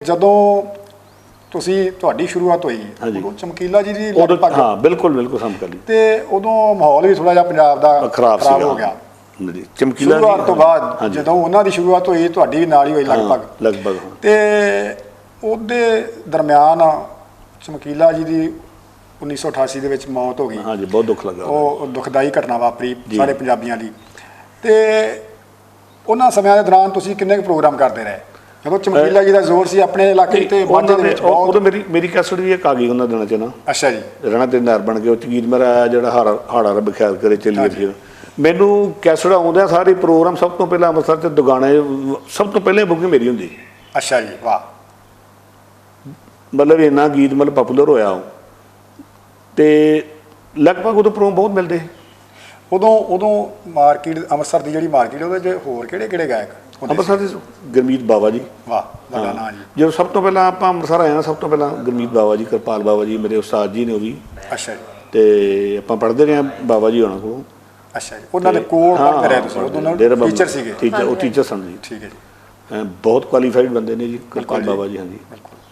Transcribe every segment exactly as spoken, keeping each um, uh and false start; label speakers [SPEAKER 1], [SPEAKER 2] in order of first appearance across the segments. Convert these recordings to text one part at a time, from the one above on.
[SPEAKER 1] ਜਦੋਂ ਤੁਸੀਂ ਤੁਹਾਡੀ ਸ਼ੁਰੂਆਤ ਹੋਈ ਉਦੋਂ ਚਮਕੀਲਾ ਜੀ ਦੀ
[SPEAKER 2] ਉਦੋਂ ਹਾਂ ਬਿਲਕੁਲ ਬਿਲਕੁਲ ਸਮਕਾਲੀ
[SPEAKER 1] ਤੇ ਉਦੋਂ ਮਾਹੌਲ ਵੀ ਥੋੜਾ ਜਿਹਾ ਪੰਜਾਬ ਦਾ
[SPEAKER 2] ਖਰਾਬ
[SPEAKER 1] ਹੋ ਗਿਆ
[SPEAKER 2] ਚਮਕੀਲਾ
[SPEAKER 1] ਸ਼ੁਰੂਆਤ ਤੋਂ ਬਾਅਦ ਜਦੋਂ ਉਹਨਾਂ ਦੀ ਸ਼ੁਰੂਆਤ ਹੋਈ ਤੁਹਾਡੀ ਵੀ ਨਾਲ ਹੀ ਹੋਈ ਲਗਭਗ
[SPEAKER 2] ਲਗਭਗ
[SPEAKER 1] ਤੇ ਉਹਦੇ ਦਰਮਿਆਨ ਚਮਕੀਲਾ ਜੀ ਦੀ ਉੱਨੀ ਸੌ ਅਠਾਸੀ ਦੇ ਵਿੱਚ ਮੌਤ ਹੋ ਗਈ।
[SPEAKER 2] ਹਾਂਜੀ ਬਹੁਤ ਦੁੱਖ ਲੱਗਾ।
[SPEAKER 1] ਉਹ ਦੁਖਦਾਈ ਘਟਨਾ ਵਾਪਰੀ ਸਾਰੇ ਪੰਜਾਬੀਆਂ ਲਈ। ਤੇ ਉਹਨਾਂ ਸਮਿਆਂ ਦੇ ਦੌਰਾਨ ਤੁਸੀਂ ਕਿੰਨੇ ਕੁ ਪ੍ਰੋਗਰਾਮ ਕਰਦੇ ਰਹੇ ਜਦੋਂ ਚਮਕੀਲਾ ਜੀ ਦਾ ਜ਼ੋਰ ਸੀ ਆਪਣੇ ਇਲਾਕੇ ਤੇ ਮਾਝੇ ਦੇ ਵਿੱਚ?
[SPEAKER 2] ਉਦੋਂ ਮੇਰੀ ਮੇਰੀ ਕੈਸਟ ਵੀ ਇੱਕ ਆ ਗਈ ਉਹਨਾਂ ਦਿਨਾਂ 'ਚ ਨਾ।
[SPEAKER 1] ਅੱਛਾ ਜੀ।
[SPEAKER 2] ਰਹਿਣਾ ਤੇ ਨਰ ਬਣ ਕੇ ਉਹ 'ਚ ਗੀਤ ਮੇਰਾ ਆਇਆ ਜਿਹੜਾ ਹਾੜਾ ਹਾੜਾ ਰੱਬ ਖਿਆਲ ਕਰੇ ਚੱਲੀਏ ਫਿਰ। ਮੈਨੂੰ ਕੈਸਟ ਆਉਂਦਿਆਂ ਸਾਰੇ ਪ੍ਰੋਗਰਾਮ ਸਭ ਤੋਂ ਪਹਿਲਾਂ ਅੰਮ੍ਰਿਤਸਰ 'ਚ ਦੁਗਾਣੇ ਸਭ ਤੋਂ ਪਹਿਲਾਂ ਬੁਕਿੰਗ ਮੇਰੀ ਹੁੰਦੀ।
[SPEAKER 1] ਅੱਛਾ ਜੀ ਵਾਹ।
[SPEAKER 2] ਮਤਲਬ ਇੰਨਾ ਗੀਤ ਮਤਲਬ ਪਾਪੂਲਰ ਹੋਇਆ ਉਹ ਤੇ ਲਗਭਗ ਉਦੋਂ ਪ੍ਰੋਗਰਾਮ ਬਹੁਤ ਮਿਲਦੇ।
[SPEAKER 1] ਉਦੋਂ ਉਦੋਂ ਮਾਰਕੀਟ ਅੰਮ੍ਰਿਤਸਰ ਦੀ ਜਿਹੜੀ ਮਾਰਕੀਟ ਉਹਦੇ 'ਚ ਹੋਰ ਕਿਹੜੇ ਕਿਹੜੇ ਗਾਇਕ?
[SPEAKER 2] ਅੰਮ੍ਰਿਤਸਰ ਦੇ ਗੁਰਮੀਤ ਬਾਵਾ ਜੀ।
[SPEAKER 1] ਵਾਹ ਵੱਡਾ ਨਾਂ ਜੀ।
[SPEAKER 2] ਜਦੋਂ ਸਭ ਤੋਂ ਪਹਿਲਾਂ ਆਪਾਂ ਅੰਮ੍ਰਿਤਸਰ ਆਏ ਹਾਂ ਸਭ ਤੋਂ ਪਹਿਲਾਂ ਗੁਰਮੀਤ ਬਾਵਾ ਜੀ ਕਿਰਪਾਲ ਬਾਵਾ ਜੀ ਮੇਰੇ ਉਸਤਾਦ ਜੀ ਨੇ ਉਹ ਵੀ।
[SPEAKER 1] ਅੱਛਾ ਜੀ।
[SPEAKER 2] ਤੇ ਆਪਾਂ ਪੜ੍ਹਦੇ ਰਹੇ ਹਾਂ ਬਾਵਾ ਜੀ ਹੋਣਾ ਕੋਲੋਂ।
[SPEAKER 1] ਅੱਛਾ ਜੀ। ਉਹਨਾਂ ਦੇ ਕੋਲ ਪੜ੍ਹਦੇ ਰਹੇ ਤੁਸੀਂ? ਉਦੋਂ ਟੀਚਰ ਸੀਗੇ?
[SPEAKER 2] ਟੀਚਰ ਉਹ ਟੀਚਰ ਸਨ ਜੀ।
[SPEAKER 1] ਠੀਕ ਹੈ ਜੀ।
[SPEAKER 2] ਬਹੁਤ ਕੁਆਲੀਫਾਈਡ ਬੰਦੇ ਨੇ ਜੀ ਕਿਰਪਾਲ ਬਾਵਾ ਜੀ। ਹਾਂਜੀ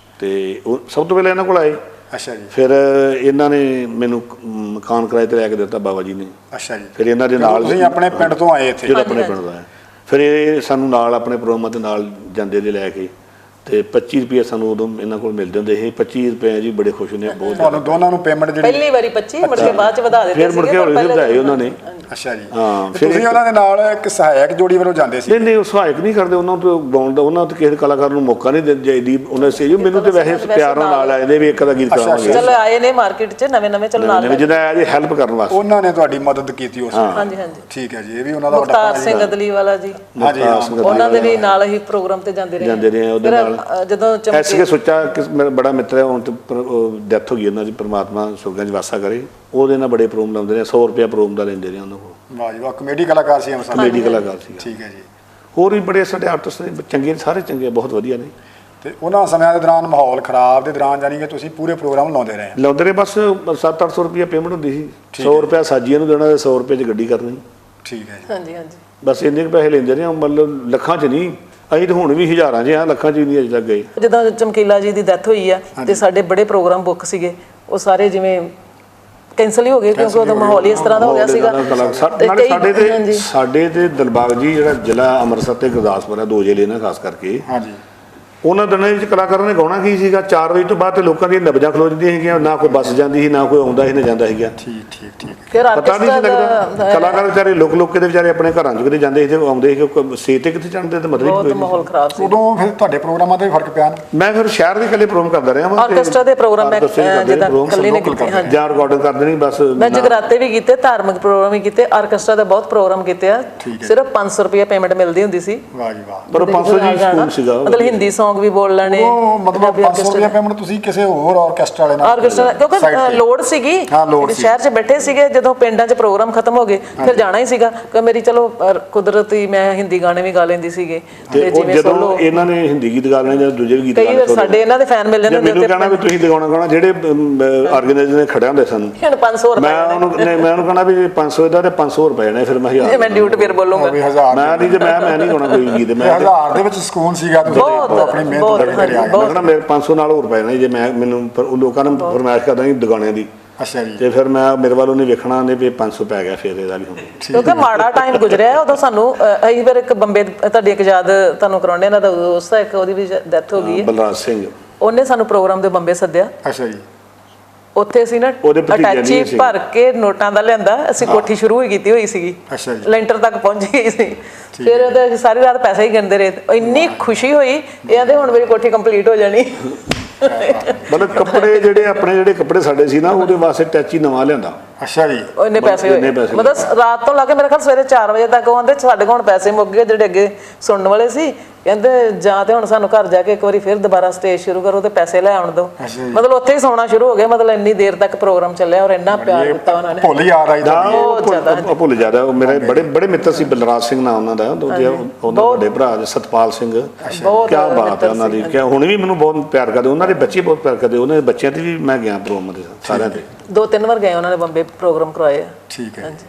[SPEAKER 2] ਤੇ ਉਹ ਸਭ ਤੋਂ ਪਹਿਲਾਂ ਇਹਨਾਂ ਕੋਲ ਆਏ।
[SPEAKER 1] ਅੱਛਾ ਜੀ।
[SPEAKER 2] ਫਿਰ ਇਹਨਾਂ ਨੇ ਮੈਨੂੰ ਮਕਾਨ ਕਿਰਾਏ ਤੇ ਲੈ ਕੇ ਦਿੱਤਾ ਬਾਬਾ ਜੀ ਨੇ।
[SPEAKER 1] ਅੱਛਾ ਜੀ।
[SPEAKER 2] ਫਿਰ ਇਹਨਾਂ ਦੇ ਨਾਲ
[SPEAKER 1] ਤੁਸੀਂ ਆਪਣੇ ਪਿੰਡ ਤੋਂ ਆਏ ਇੱਥੇ?
[SPEAKER 2] ਜਿਹੜਾ ਆਪਣੇ ਪਿੰਡ ਦਾ ਹੈ। ਫਿਰ ਇਹ ਸਾਨੂੰ ਨਾਲ ਆਪਣੇ ਪ੍ਰੋਗਰਾਮਾਂ ਦੇ ਨਾਲ ਜਾਂਦੇ ਦੇ ਲੈ ਕੇ ਤੇ ਪੱਚੀ ਰੁਪਏ ਸਾਨੂੰ ਉਦੋਂ ਇਹਨਾਂ ਕੋਲ ਮਿਲਦੇ ਹੁੰਦੇ ਸੀ। ਪੱਚੀ ਰੁਪਏ ਜੀ ਬੜੇ ਖੁਸ਼ ਨੇ ਬਹੁਤ।
[SPEAKER 1] ਤੁਹਾਨੂੰ ਦੋਨਾਂ ਨੂੰ ਪੇਮੈਂਟ ਜਿਹੜੀ
[SPEAKER 3] ਪਹਿਲੀ ਵਾਰੀ ਪੱਚੀ ਮੁੜ ਕੇ ਬਾਅਦ ਚ ਵਧਾ ਦਿੱਤੇ
[SPEAKER 2] ਫਿਰ ਮੁੜ ਕੇ ਹੌਲੀ ਵਧਾਏ ਉਹਨਾਂ ਨੇ।
[SPEAKER 1] ਅੱਛਾ ਜੀ।
[SPEAKER 2] ਹਾਂ
[SPEAKER 1] ਤੁਸੀਂ ਉਹਨਾਂ ਦੇ ਨਾਲ ਇੱਕ ਸਹਾਇਕ ਜੋੜੀ ਵੱਲੋਂ ਜਾਂਦੇ ਸੀ?
[SPEAKER 2] ਨਹੀਂ ਨਹੀਂ ਉਹ ਸਹਾਇਕ ਨਹੀਂ ਕਰਦੇ ਉਹਨਾਂ ਤੋਂ ਗਾਉਣ ਦਾ ਉਹਨਾਂ ਤੋਂ ਕਿਸੇ ਕਲਾਕਾਰ ਨੂੰ ਮੌਕਾ ਨਹੀਂ ਦਿੰਦੇ ਜੀ ਉਹਨਾਂ ਸਟੇਜ। ਮੈਨੂੰ ਤੇ ਵੈਸੇ ਪਿਆਰ ਨਾਲ ਆਏ ਨੇ ਵੀ ਇੱਕ ਦਾ ਗੀਤ ਗਾਵਾਂਗੇ।
[SPEAKER 3] ਚਲੋ ਆਏ ਨੇ ਮਾਰਕੀਟ 'ਚ ਨਵੇਂ ਨਵੇਂ ਚਲੋ ਨਾਲ
[SPEAKER 2] ਜਿਹਦਾ ਆਇਆ ਜੀ ਹੈਲਪ ਕਰਨ ਵਾਸਤੇ
[SPEAKER 1] ਉਹਨਾਂ ਨੇ ਤੁਹਾਡੀ ਮਦਦ ਕੀਤੀ ਉਸ ਵੇਲੇ?
[SPEAKER 3] ਹਾਂਜੀ ਹਾਂਜੀ
[SPEAKER 1] ਠੀਕ ਹੈ ਜੀ। ਇਹ ਵੀ ਉਹਨਾਂ ਦਾ ਵੱਡਾ
[SPEAKER 3] ਮੁਖਤਾਰ ਸਿੰਘ ਅਦਲੀ ਵਾਲਾ ਜੀ।
[SPEAKER 1] ਹਾਂਜੀ
[SPEAKER 3] ਉਹਨਾਂ ਦੇ ਵੀ ਨਾਲ ਹੀ ਪ੍ਰੋਗਰਾਮ ਤੇ ਜਾਂਦੇ ਰਹੇ
[SPEAKER 2] ਜਾਂਦੇ ਰਹੇ ਉਹਦੇ ਨਾਲ।
[SPEAKER 3] ਜਦੋਂ
[SPEAKER 2] ਐਸੇ ਕਿ ਸੋਚਾ ਕਿ ਮੇਰਾ ਬੜਾ ਮਿੱਤਰ ਹੈ ਹੁਣ ਤੇ ਡੈਥ ਹੋ ਗਈ ਉਹਨਾਂ ਦੀ ਪਰਮਾਤਮਾ ਸੁਰਗਾਂ 'ਚ ਵਾਸਾ ਕਰੇ। ਉਹਦੇ ਨਾਲ ਬੜੇ ਪ੍ਰੋਗਰਾਮ ਲਾਉਂਦੇ ਨੇ ਸੌ ਰੁਪਇਆ ਪ੍ਰੋਗਰਾਮ ਦਾ ਲੈਂਦੇ ਨੇ ਉਹਨਾਂ ਕੋਲ।
[SPEAKER 1] ਵਾਹ ਜੀ ਵਾਹ। ਕਮੇਡੀ ਕਲਾਕਾਰ ਸੀ?
[SPEAKER 2] ਕਮੇਡੀ ਕਲਾਕਾਰ ਸੀ।
[SPEAKER 1] ਠੀਕ ਹੈ ਜੀ।
[SPEAKER 2] ਹੋਰ ਵੀ ਬੜੇ ਸਾਡੇ ਆਰਟਿਸਟ ਨੇ ਚੰਗੇ ਸਾਰੇ ਚੰਗੇ ਬਹੁਤ ਵਧੀਆ ਨੇ।
[SPEAKER 1] ਤੇ ਉਹਨਾਂ ਸਮਿਆਂ ਦੇ ਦੌਰਾਨ ਮਾਹੌਲ ਖਰਾਬ ਦੇ ਦੌਰਾਨ ਜਾਨੀ ਕਿ ਤੁਸੀਂ ਪੂਰੇ ਪ੍ਰੋਗਰਾਮ ਲਾਉਂਦੇ ਰਹੇ?
[SPEAKER 2] ਲਾਉਂਦੇ ਰਹੇ ਬਸ ਸੱਤ ਅੱਠ ਸੌ ਰੁਪਇਆ ਪੇਮੈਂਟ ਹੁੰਦੀ ਸੀ। ਸੌ ਰੁਪਇਆ ਸਾਜੀਆਂ ਨੂੰ ਦੇਣਾ ਤੇ ਸੌ ਰੁਪਏ 'ਚ ਗੱਡੀ ਕਰਨੀ।
[SPEAKER 1] ਠੀਕ ਹੈ ਜੀ।
[SPEAKER 3] ਹਾਂਜੀ ਹਾਂਜੀ।
[SPEAKER 2] ਬਸ ਇੰਨੇ ਕੁ ਪੈਸੇ ਲੈਂਦੇ ਰਹੇ ਮਤਲਬ ਲੱਖਾਂ 'ਚ ਨਹੀਂ। ਅਸੀਂ ਤਾਂ ਹੁਣ ਵੀ ਹਜ਼ਾਰਾਂ 'ਚ ਆ ਲੱਖਾਂ 'ਚ ਨਹੀਂ ਅਜੇ ਤੱਕ ਗਏ।
[SPEAKER 3] ਜਦੋਂ ਚਮਕੀਲਾ ਜੀ ਦੀ ਡੈਥ ਹੋਈ ਆ ਤੇ ਸਾਡੇ ਬੜੇ ਪ੍ਰੋਗਰਾਮ ਬੁੱਕ ਸੀਗੇ ਉਹ ਸਾਰੇ ਜਿਵੇਂ ਕੈਂਸਲ ਹੀ ਹੋ ਗਏ ਕਿਉਂਕਿ ਉਹਦਾ ਮਾਹੌਲ ਹੀ ਇਸ ਤਰ੍ਹਾਂ ਦਾ ਹੋ ਗਿਆ ਸੀਗਾ।
[SPEAKER 2] ਨਾਲੇ ਸਾਡੇ ਤੇ ਸਾਡੇ ਤੇ ਦਿਲਬਾਗ ਜੀ ਜਿਹੜਾ ਜ਼ਿਲ੍ਹਾ ਅੰਮ੍ਰਿਤਸਰ ਤੇ ਗੁਰਦਾਸਪੁਰ ਹੈ ਦੋ ਜ਼ਿਲ੍ਹੇ ਨੇ ਖਾਸ ਕਰਕੇ।
[SPEAKER 1] ਹਾਂਜੀ।
[SPEAKER 2] ਉਹਨਾਂ ਦਿਨਾਂ ਵਿੱਚ ਕਲਾਕਾਰਾਂ ਨੇ ਗਾਉਣਾ ਕੀ ਸੀਗਾ ਚਾਰ ਵਜੇ ਤੋਂ ਬਾਅਦ ਤੇ ਲੋਕਾਂ ਦੀਆਂ ਨਬਜ਼ਾਂ ਖਲੋ ਜਾਂਦੀਆਂ ਸੀਗੀਆਂ। ਨਾ ਕੋਈ ਬੱਸ ਜਾਂਦੀ ਸੀ ਨਾ ਕੋਈ ਆਉਂਦਾ ਸੀ ਨਾ ਜਾਂਦਾ ਸੀਗਾ।
[SPEAKER 1] ਠੀਕ ਠੀਕ ਠੀਕ।
[SPEAKER 3] ਫਿਰ
[SPEAKER 2] ਪਤਾ ਨਹੀਂ ਸੀ ਲੱਗਦਾ। ਕਲਾਕਾਰ ਵਿਚਾਰੇ ਲੁਕ ਲੁਕ ਕੇ ਦੇ ਵਿਚਾਰੇ ਆਪਣੇ ਘਰਾਂ 'ਚ ਕਿਤੇ ਜਾਂਦੇ ਸੀ ਤੇ ਆਉਂਦੇ ਸੀ ਸੇਤ ਤੇ ਕਿੱਥੇ ਚੜ੍ਹਦੇ ਤੇ ਮਤਲਬ
[SPEAKER 3] ਬਹੁਤ ਮਾਹੌਲ ਖਰਾਬ ਸੀ।
[SPEAKER 1] ਉਦੋਂ ਫਿਰ ਤੁਹਾਡੇ ਪ੍ਰੋਗਰਾਮਾਂ ਤੇ ਫਰਕ ਪਿਆ?
[SPEAKER 2] ਮੈਂ ਫਿਰ ਸ਼ਹਿਰ ਦੇ ਇਕੱਲੇ ਪ੍ਰੋਗਰਾਮ ਕਰਦਾ ਰਿਹਾ।
[SPEAKER 3] ਆਰਕੈਸਟਰਾ ਦੇ ਪ੍ਰੋਗਰਾਮ ਮੈਂ ਜਿੱਦਾਂ ਇਕੱਲੇ ਨੇ ਕੀਤੇ। ਹਾਂਜੀ
[SPEAKER 2] ਜਾਂ ਰਿਕਾਰਡਿੰਗ ਕਰਦੇ ਨਹੀਂ ਬਸ।
[SPEAKER 3] ਮੈਂ ਜਗਰਾਤੇ ਵੀ ਕੀਤੇ ਧਾਰਮਿਕ ਪ੍ਰੋਗਰਾਮ ਵੀ ਕੀਤੇ ਆਰਕੈਸਟਰਾ ਦੇ ਬਹੁਤ ਪ੍ਰੋਗਰਾਮ ਕੀਤੇ ਆ। ਸਿਰਫ ਪੰਜ ਸੌ ਰੁਪਏ ਪੇਮੈਂਟ ਮਿਲਦੀ ਹੁੰਦੀ ਸੀ।
[SPEAKER 1] ਵਾਹ ਜੀ ਵਾਹ।
[SPEAKER 2] ਪਰ ਪੰਜ ਸੌ ਜੀ ਸਕੂਲ ਸੀਗਾ
[SPEAKER 3] ਮਤਲਬ ਹਿੰਦੀ ਸੌਂਗ ਵੀ ਬੋਲ ਲੈਣੇ।
[SPEAKER 1] ਮਤਲਬ ਪੰਜ ਸੌ ਰੁਪਏ ਪੇਮੈਂਟ ਤੁਸੀਂ ਕਿਸੇ ਹੋਰ ਆਰਕੈਸਟਰਾ ਵਾਲੇ ਨਾਲ?
[SPEAKER 3] ਆਰਕੈਸਟਰਾ ਕਿਉਂਕਿ ਲੋੜ ਸੀਗੀ ਸ਼ਹਿਰ 'ਚ ਬੈਠੇ ਸੀਗੇ ਜਦੋਂ ਪਿੰਡਾਂ 'ਚ ਪ੍ਰੋਗਰਾਮ ਖਤਮ ਹੋ ਗਏ ਫਿਰ ਜਾਣਾ ਹੀ ਸੀਗਾ ਕਿ ਮੇਰੀ ਚਲੋ ਕੁਦਰਤੀ ਮੈਂ ਹਿੰਦੀ ਗਾਣੇ ਵੀ ਗਾ ਲੈਂਦੀ ਸੀਗੇ।
[SPEAKER 2] ਤੇ ਜਦੋਂ ਇਹਨਾਂ ਨੇ ਹਿੰਦੀ ਗੀਤ ਗਾ ਲੈਣੇ ਜਾਂ ਦੂਜੇ ਗੀਤ ਗਾ ਲੈਣੇ
[SPEAKER 3] ਸਾਡੇ ਇਹਨਾਂ ਦੇ ਫੈਨ ਮਿਲ ਜਾਂਦੇ ਹੁੰਦੇ
[SPEAKER 2] ਮੈਨੂੰ ਕਹਿਣਾ ਵੀ ਤੁਸੀਂ ਦਿਖਾਉਣਾ ਗਾਣਾ ਜਿਹੜੇ ਆਰਗੇਨਾਈਜ਼ਰ ਨੇ ਖੜਿਆ ਹੁੰਦੇ ਸਨ
[SPEAKER 3] ਹੁਣ ਪੰਜ ਸੌ ਰੁਪਏ
[SPEAKER 2] ਮੈਂ ਉਹਨੂੰ ਮੈਂ ਉਹਨੂੰ ਕਹਿਣਾ ਵੀ ਪੰਜ ਸੌ ਦਾ ਤੇ ਪੰਜ ਸੌ ਰੁਪਏ ਨੇ ਫਿਰ ਮੈਂ ਹਜ਼ਾਰ
[SPEAKER 3] ਮੈਂ ਡਿਊਟ ਫਿਰ ਬੋਲੂੰਗਾ
[SPEAKER 2] ਮੈਂ ਨਹੀਂ ਜੇ ਮੈਂ ਮੈਂ ਨਹੀਂ ਗਾਉਣਾ ਕੋਈ ਗੀਤ ਮੈਂ
[SPEAKER 1] ਹਜ਼ਾਰ ਦੇ ਵਿੱਚ ਸਕੂਨ ਸੀਗਾ ਆਪਣੀ ਮਿਹਨਤ ਕਰਕੇ ਆ
[SPEAKER 2] ਗਿਆ। ਮੇਰੇ ਪੰਜ ਸੌ ਨਾਲ ਹੋਰ ਪਏ ਨੇ ਜੇ ਮੈਂ ਮੈਨੂੰ ਲੋਕਾਂ ਨੂੰ ਫਰਮਾਇਸ਼ ਕਰਦਾ ਸੀ ਦੁਗਾਣਿਆਂ ਦੀ।
[SPEAKER 1] ਅੱਛਾ ਜੀ।
[SPEAKER 2] ਤੇ ਫਿਰ ਮੈਂ ਮੇਰੇ ਵੱਲ ਉਹਨੇ ਵੇਖਣਾ ਨੇ ਵੀ ਪੰਜ ਸੌ ਪੈ ਗਿਆ ਫਿਰ ਇਹਦਾ ਵੀ ਹੁਣ
[SPEAKER 3] ਕਿਉਂਕਿ ਮਾੜਾ ਟਾਈਮ ਗੁਜ਼ਰਿਆ ਉਦੋਂ ਸਾਨੂੰ। ਅਸੀਂ ਫਿਰ ਇੱਕ ਬੰਬੇ ਤੁਹਾਡੀ ਇੱਕ ਯਾਦ ਤੁਹਾਨੂੰ ਕਰਾਉਣੇ ਇਹਨਾਂ ਦਾ ਦੋਸਤ ਇੱਕ ਉਹਦੀ ਵੀ ਡੈਥ ਹੋ ਗਈ ਹੈ
[SPEAKER 2] ਬਲਰਾਜ ਸਿੰਘ।
[SPEAKER 3] ਉਹਨੇ ਸਾਨੂੰ ਪ੍ਰੋਗਰਾਮ ਦੇ ਬੰਬੇ ਸੱਦਿਆ।
[SPEAKER 1] ਅੱਛਾ ਜੀ।
[SPEAKER 3] ਉੱਥੇ ਅਸੀਂ ਨਾ ਅਟੈਚੀ ਭਰ ਕੇ ਨੋਟਾਂ ਦਾ ਲਿਆਂਦਾ ਅਸੀਂ ਕੋਠੀ ਸ਼ੁਰੂ ਹੀ ਕੀਤੀ ਹੋਈ ਸੀਗੀ।
[SPEAKER 1] ਅੱਛਾ ਜੀ।
[SPEAKER 3] ਲੈਂਟਰ ਤੱਕ ਪਹੁੰਚ ਗਈ ਸੀ। ਫਿਰ ਉਹਦੇ ਸਾਰੀ ਰਾਤ ਪੈਸੇ ਹੀ ਗਿਣਦੇ ਰਹੇ। ਇੰਨੀ ਖੁਸ਼ੀ ਹੋਈ ਇਹ ਆਂਦੇ ਹੁਣ ਮੇਰੀ ਕੋਠੀ ਕੰਪਲੀਟ ਹੋ ਜਾਣੀ।
[SPEAKER 2] ਮਤਲਬ ਕੱਪੜੇ ਜਿਹੜੇ ਆਪਣੇ ਜਿਹੜੇ ਕੱਪੜੇ ਸਾਡੇ ਸੀ ਨਾ ਉਹਦੇ ਵਾਸਤੇ ਟੈਚੀ ਨਵਾਂ ਲਿਆਂਦਾ।
[SPEAKER 1] ਅੱਛਾ ਜੀ।
[SPEAKER 3] ਇੰਨੇ ਪੈਸੇ ਹੋਏ ਮਤਲਬ ਰਾਤ ਤੋਂ ਲਾ ਕੇ ਮੇਰੇ ਖਿਆਲ ਸਵੇਰੇ ਚਾਰ ਵਜੇ ਤੱਕ ਆਉਂਦੇ ਸਾਡੇ ਕੋਲ ਹੁਣ ਪੈਸੇ ਮੁੱਕ ਗਏ ਜਿਹੜੇ ਅੱਗੇ ਸੁਣਨ ਵਾਲੇ ਸੀ। ਕਹਿੰਦੇ ਜਾਂ ਤੇ ਹੁਣ ਸਾਨੂੰ ਘਰ ਜਾ ਕੇ ਇੱਕ ਵਾਰੀ ਫਿਰ ਦੁਬਾਰਾ ਸਟੇਜ ਸ਼ੁਰੂ ਕਰੋ ਤੇ ਪੈਸੇ ਲੈ ਆਉਣ ਦਿਓ। ਮਤਲਬ ਉੱਥੇ ਹੀ ਸੌਣਾ ਸ਼ੁਰੂ ਹੋ ਗਿਆ। ਮਤਲਬ ਇੰਨੀ ਦੇਰ ਤੱਕ ਪ੍ਰੋਗਰਾਮ ਚੱਲਿਆ ਔਰ ਇੰਨਾ ਪਿਆਰ ਦਿੱਤਾ ਉਹਨਾਂ ਨੇ।
[SPEAKER 1] ਭੁੱਲ ਯਾਦ ਆਈ
[SPEAKER 3] ਬਹੁਤ ਜ਼ਿਆਦਾ
[SPEAKER 2] ਭੁੱਲ ਜ਼ਿਆਦਾ। ਉਹ ਮੇਰੇ ਬੜੇ ਬੜੇ ਮਿੱਤਰ ਸੀ ਬਲਰਾਜ ਸਿੰਘ ਨਾਮ ਉਹਨਾਂ ਦਾ ਉਹਦਾ ਵੱਡੇ ਭਰਾ ਸਤਪਾਲ ਸਿੰਘ। ਕਿਆ ਬਾਤ ਹੈ ਉਹਨਾਂ ਦੀ। ਕਿਆ ਹੁਣ ਵੀ ਮੈਨੂੰ ਬਹੁਤ ਪਿਆਰ ਕਰਦੇ ਉਹਨਾਂ ਦੇ ਬੱਚੇ ਬਹੁਤ ਪਿਆਰ ਕਰਦੇ ਉਹਨਾਂ ਦੇ ਬੱਚਿਆਂ ਤੇ ਵੀ ਮੈਂ ਗਿਆ ਪ੍ਰੋਗਰਾਮ ਦੇ ਸਾਰਿਆਂ ਦੇ।
[SPEAKER 3] ਦੋ ਤਿੰਨ ਵਾਰ ਗਏ ਉਹਨਾਂ ਨੇ ਬੰਬੇ ਪ੍ਰੋਗਰਾਮ ਕਰਵਾਏ।
[SPEAKER 1] ਠੀਕ ਹੈ।